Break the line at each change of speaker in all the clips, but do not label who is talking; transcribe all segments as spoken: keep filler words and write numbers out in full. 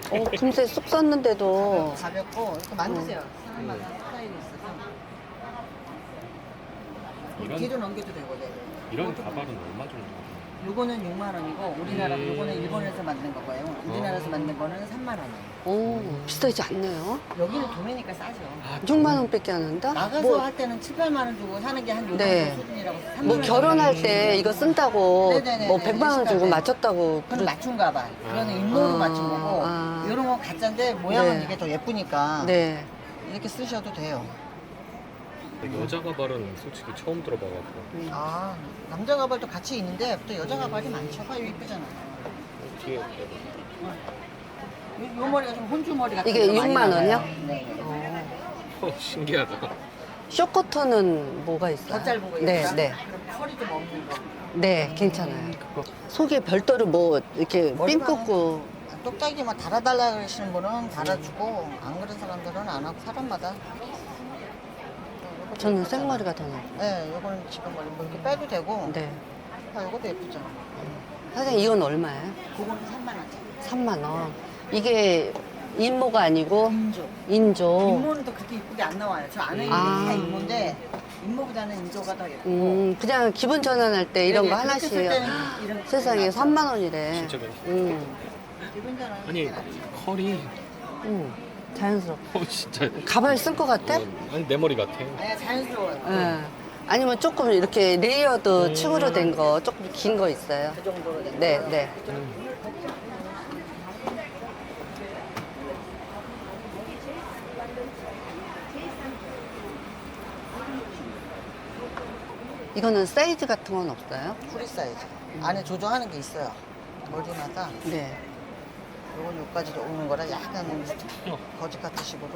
어, 금세 쑥 썼는데도.
가볍고 이렇게 만드세요. 사람마다 스타일이 있어서.
이런-
뒤로 넘겨도 되고, 네.
이런 가발은 얼마 정도?
요거는 육만 원이고 우리나라
음.
요거는 일본에서 만든 거고요. 우리나라에서
어.
만든 거는 삼만 원이에요.
오, 비싸지 않네요.
여기는 도매니까 싸죠.
아,
육만 원밖에 안 한다?
나가서
뭐,
할 때는 칠, 팔만 원 주고 사는 게 한 요 정도
네.
수준이라고. 삼만
뭐
원
결혼할
정도.
때 이거 쓴다고
네네네네.
뭐 백만 원 주고
네.
맞췄다고.
그건
그러-
맞춤 가발. 그거는
아.
인모로
아,
맞춘 거고
아.
이런 건 가짜인데 모양은
네.
이게 더 예쁘니까
네.
이렇게 쓰셔도 돼요.
여자 가발은 솔직히 처음 들어봐갖고.
아 남자 가발도 같이 있는데 또 여자 가발이 많죠. 봐요 이쁘잖아요.
어떻게
요, 요 머리가 좀 혼주 머리 같은
이게
거 많이
육만
나가요.
원이요?
네.
어, 신기하다.
쇼커터는 뭐가 있어요?
더 짧은 거
네,
예쁘다?
네.
그럼 털이 좀 없는 거.
네, 괜찮아요. 속에 별도로 뭐 이렇게 핀
머리가
꽂고.
똑딱이 막 달아달라 그러시는 분은 달아주고 안 그런 사람들은 안 하고 사람마다.
저는 생머리가 더 나아요.
네, 요거는 지금 뭐 이렇게 빼도 되고.
네.
아, 요것도 예쁘죠.
사장님 이건 얼마예요?
그거는 삼만 원.
삼만 원. 이게 인모가 아니고
인조.
인조.
인모는 또 그렇게 이쁘게 안 나와요. 저 안에 있는
아.
게 다 인모인데 인모보다는 인조가 더 예쁘고.
음, 그냥 기분 전환할 때 이런
네네,
거
그렇게
하나씩.
쓸 때는 이런
세상에
거
삼만 원이래.
진짜 괜찮다.
음,
기분 전환.
아니 컬이
음, 자연스럽고.
어 진짜.
가발 쓸 것 같아?
어, 아니 내 머리 같아.
네, 자연스러워요.
예. 아니면 조금 이렇게 레이어드
음.
층으로 된 거, 조금 긴 거 있어요.
그 정도로 된
네,
거.
네.
음.
이거는 사이즈 같은 건 없어요?
프리 사이즈. 안에 조정하는 게 있어요. 머리마다.
네.
요건 요까지도 오는 거라 약간
어.
거짓 같은 식으로.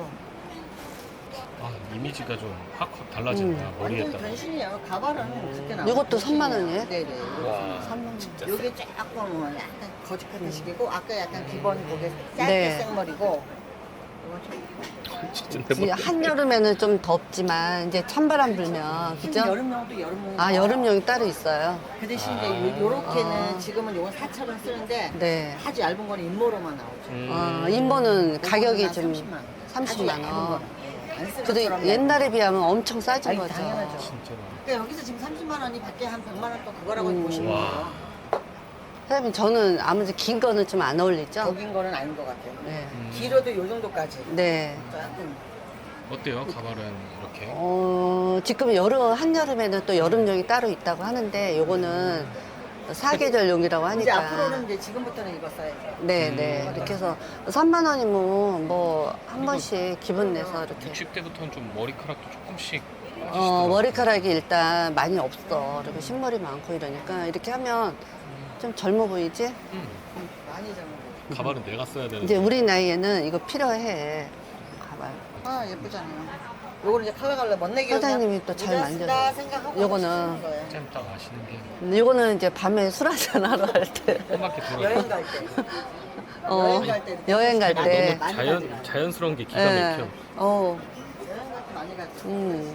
아 이미지가 좀 확확 달라진다.
음.
머리에
완전
따라.
변신이에요. 가발은 그렇게 나와요.
요것도 삼만 원이에요?
네네.
와.
삼만 원.
진짜.
요게 조금 약간 거짓 같은 식이고 아까 약간 기본 고개 짧게
네.
생머리고 이건 좀
진짜 내
이제
머리.
한여름에는 좀 덥지만 이제 찬바람 불면
지금
그죠?
여름용도 여름용.
아 여름용이 따로 있어요.
그 대신
아.
이제 요- 요렇게는
아.
지금은 요건 사처럼 쓰는데
네.
아주 얇은 거는 인모로만 나오죠.
음.
아, 인보는 가격이
요거는
좀
삼십만 원.
삼십만
아주 얇은
원.
거는. 예, 안 쓴
그래도
것처럼
옛날에 비하면 엄청 싸진
아니,
거죠.
당연하죠.
진짜로.
그러니까 여기서 지금 삼십만 원이 밖에 한 백만 원 또 그거라고
음.
보시면
와.
돼요.
사장님 저는 아무래도 긴 거는 좀 안 어울리죠?
적인 거는 아닌 것 같아요.
네.
음.
길어도 요 정도까지.
네.
조금
어때요 가발은 이렇게?
어, 지금 여름, 한여름에는 또 여름용이 따로 있다고 하는데 요거는 사계절용이라고
이제
하니까.
앞으로는 이제 지금부터는 이거 써야죠.
네,
음.
네. 이렇게 해서 삼만 원이면 뭐 한 번씩 기분 내서 이렇게.
육십 대부터는 좀 머리카락도 조금씩
어,
빠지시더라고요.
머리카락이 일단 많이 없어. 그리고 신머리 많고 이러니까 이렇게 하면 좀 젊어 보이지?
음.
많이 잡는 거.
가발은 내가 써야 되는데.
이제 우리 나이에는 이거 필요해. 가발.
아 예쁘잖아요. 요거는 이제 컬러 갈래 멋내기
사장님이 또잘 만져요.
생각하고
요거는
쓰는 거예요.
쌤 딱 아시는 게
근데 이거는 이제 밤에 술 한잔 하러 갈 때.
꼬맣게 돌아.
여행 갈 때.
어,
여행 갈 때.
여행 갈
아,
때.
너무 자연 자연스러운 게 기가
예.
막혀.
어,
여행 갈 때 많이 갈 때.
음.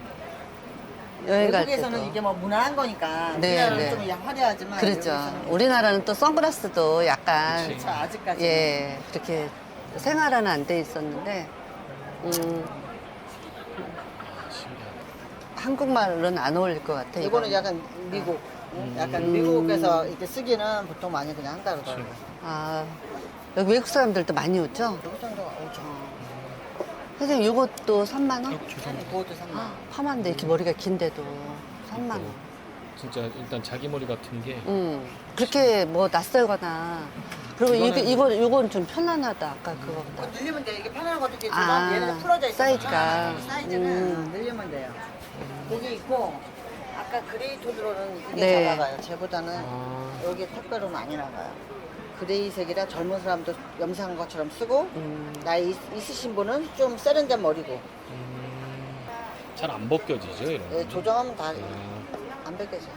여행 갈 때도.
외국에서는 이게 뭐 무난한 거니까.
네,
우리나라는
네.
좀 화려하지만.
그렇죠.
여기서는
우리나라는 또 선글라스도 약간
그치.
그렇죠, 아직까지.
예, 그렇게 생활화는 안 돼 있었는데, 음,
신기하다.
한국말은 안 어울릴 것 같아.
이거는
이거는.
약간 미국.
음.
약간 미국에서 이렇게 쓰기는 보통 많이 그냥 한다 그러더라고요.
아, 여기 외국 사람들도 많이 오죠?
여기 정도 오죠.
선생님, 이것도 삼만 원?
어, 죄송합니다.
그것도 삼만 원.
파마인데 이렇게 머리가 긴데도 삼만 원.
진짜 일단 자기 머리 같은 게
음, 그렇게 뭐 낯설거나. 그리고 이게,
이거는-
이거, 이건 좀 편안하다. 아까 그거보다.
그거 늘리면 돼. 이게 편한 것도 있지만
아,
얘는 풀어져 있어.
사이즈가.
사이즈는
음.
늘리면 돼요. 여기 있고 아까 그레이 톤으로는 이게
네.
잘 나가요. 쟤보다는
아,
여기 택배로 많이 나가요. 그레이색이라 젊은 사람도 염색한 것처럼 쓰고
음,
나이 있- 있으신 분은 좀 세련된 머리고
음, 잘 안 벗겨지죠 이런.
예,
거.
조정하면 다
아,
안 벗겨져요.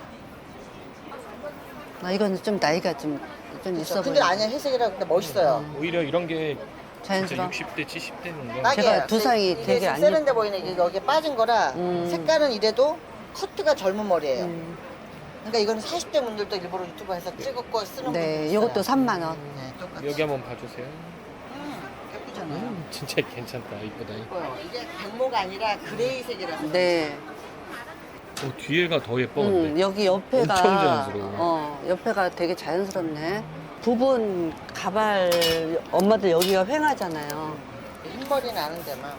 아, 이거는 좀 나이가 좀, 좀 있어
그렇죠. 근데
보여.
아니야 회색이라 근데 멋있어요.
오히려 이런 게 진짜
자연스러워.
육십 대, 칠십 대는 거.
딱이에요.
제가 두상이
이게
되게
좀
안
세련돼 보이는 이게 여기 빠진 거라
음.
색깔은 이래도 커트가 젊은 머리예요.
음,
그러니까 이거는 사십 대 분들도 일부러 유튜브에서 찍었고 쓰는 분들
네,
있어요.
이것도 삼만 원.
네, 똑같이.
여기 한번 봐주세요.
이쁘잖아요.
음, 진짜 괜찮다. 이쁘다.
이뻐요. 이게 백모가 아니라 그레이색이라서.
네.
어, 뒤에가 더 예뻐.
음,
근데.
여기 옆에가
엄청 자연스러워.
어, 옆에가 되게 자연스럽네. 부분 가발 엄마들 여기가 횡하잖아요.
흰머리 나는 데만.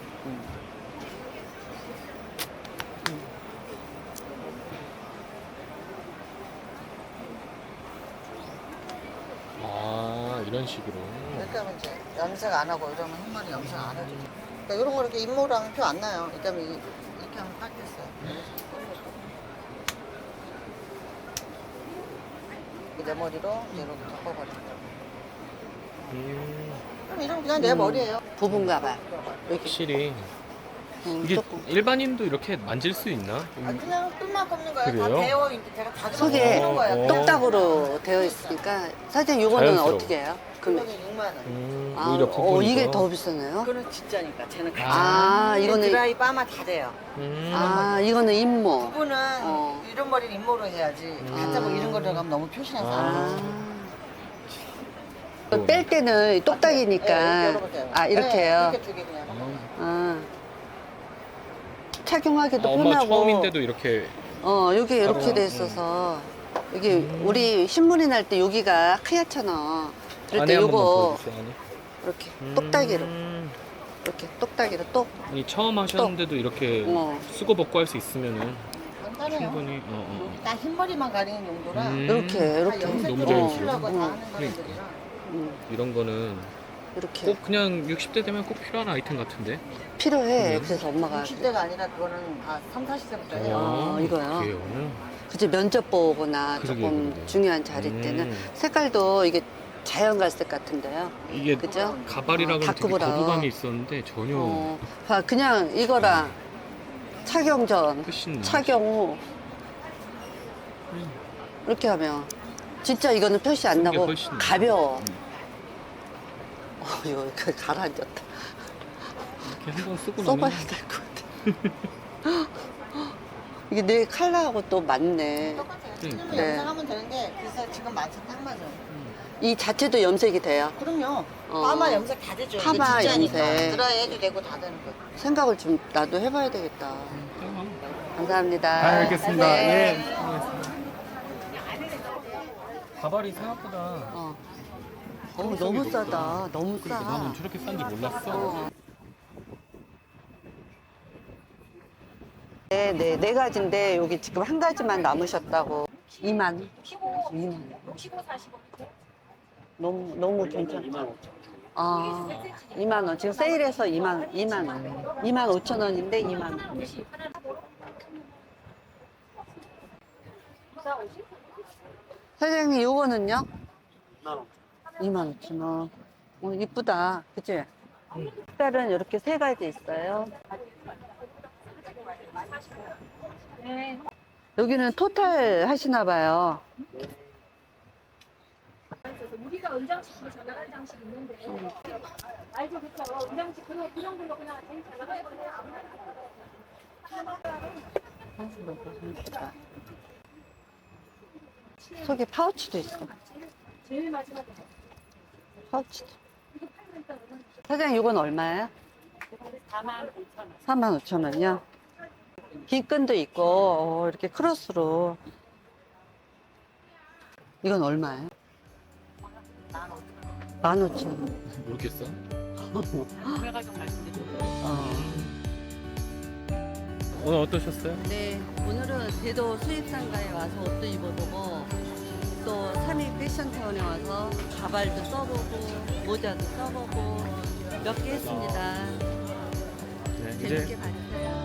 아, 이런 식으로.
이렇게 하면 이제 염색 안 하고 이러면 흰머리 염색 안 해도 돼. 그러니까 이런 거 이렇게 입모랑 표 안 나요. 이렇게 하면, 이- 이렇게 하면 딱 됐어요. 내 머리로 이제 이렇게 덮어버리는 거예요.
음,
그럼 이러면 그냥 내
음.
머리예요.
부분 가발. 이렇게
확실히.
음,
이게
조금.
일반인도 이렇게 만질 수 있나?
아, 그냥 끈만 꺾는 거예요.
그래요?
다 배워 있는데 제가 다
속에
들어가는 거예요.
어,
똑딱으로 되어 있으니까 사실 이거는
자연스러워.
어떻게 해요? 금액.
그거는 육만 원.
음,
아,
오히려
어,
부분이
이게 더 비싸네요.
그거는 진짜니까 쟤는 가짜.
아,
근데
이거는
드라이 빠마 다 돼요.
음,
아, 이거는 임모.
부분은
어.
이런 머리는 입모로 해야지. 가짜 뭐 이런 거 들어가면 너무 표시나서 안 돼.
아. 뺄 때는 똑딱이니까.
네, 이렇게 열어보세요.
아, 이렇게
네,
해요?
이렇게 두 개 그냥.
아. 착용하기도
아, 엄마
편하고.
처음인데도 이렇게.
어, 여기 이렇게
바로,
돼
음.
있어서. 여기 우리 신문이 날 때 여기가 하얗잖아. 그럴
안에
때
한 번만
요거
보여주세요, 안에.
이렇게
음,
똑딱이로. 이렇게 똑딱이로 똑.
아니, 처음 하셨는데도 이렇게
어.
쓰고 벗고 할 수 있으면은
간단해요.
충분히. 어, 어, 어.
딱 흰머리만 가리는 용도라
음.
이렇게,
다
이렇게.
너무
염색도
자연스러워.
치려고
어.
다 하는
그러니까.
거들이라
음,
이런 거는
이렇게.
꼭 그냥 육십 대 되면 꼭 필요한 아이템 같은데.
필요해.
음.
그래서 엄마가.
육십 대가 아니라 그거는 아, 삼, 사십 대부터 해요.
어, 이거요?
그래요.
그치, 면접 보거나
그러게,
조금
그러게.
중요한 자리
음.
때는 색깔도 이게 자연 갈색 같은데요.
이게
그죠?
가발이라고
어,
되게
다크브라운.
거부감이 있었는데 전혀
어, 봐, 그냥 이거랑 착용 전,
훨씬
착용 후 이렇게 하면 진짜 이거는 표시 안
쓴게
나고
훨씬
가벼워.
음.
어, 이거 그 가라앉았다.
이렇게 한 번 쓰고
써봐야
나면
될 것 같아. 이게 내 컬러하고 또 맞네.
똑같아요.
네.
틀리면
네.
염색하면 되는데 그래서 지금 맞춰 딱 맞아요.
이 자체도 염색이 돼요.
그럼요.
어.
파마 염색 다 되죠.
파마
이게 진짜니까.
염색.
드라이 해도 되고 다 되는 거.
생각을 좀 나도 해봐야 되겠다. 감사합니다.
아, 알겠습니다.
네.
예. 알겠습니다. 가발이 생각보다
어. 어, 너무 싸다. 너무 싸.
그러니까 나는 저렇게 싼지 몰랐어.
어. 네, 네, 네 가지인데 여기 지금 한 가지만 남으셨다고. 이만. 이만. 너무 너무 괜찮다. 아, 이만 원. 지금 세일해서 이만 이만 원. 이만 오천 원인데 이만 원. 사장님, 요거는요? 이만 오천 원. 어, 이쁘다. 그치? 색깔은 이렇게 세 가지 있어요. 여기는 토탈 하시나 봐요.
우리가 은장식으로 잘 나가는 장식이 있는데 알죠? 그쵸? 은장식 그런 그런 걸로 그냥 제일 잘 나가는 거예요.
속에 파우치도 있어.
제일 마지막에
파우치도. 사장님, 이건 얼마예요? 사만 오천 원이요? 긴 끈도 있고, 어, 이렇게 크로스로. 이건 얼마예요? 만 오천 원.
모르겠어.
어.
오늘 어떠셨어요?
네, 오늘은 대도 수입상가에 와서 옷도 입어보고 또 삼익 패션타운에 와서 가발도 써보고 모자도 써보고 몇 개 했습니다.
네,
재밌게 봐주세요.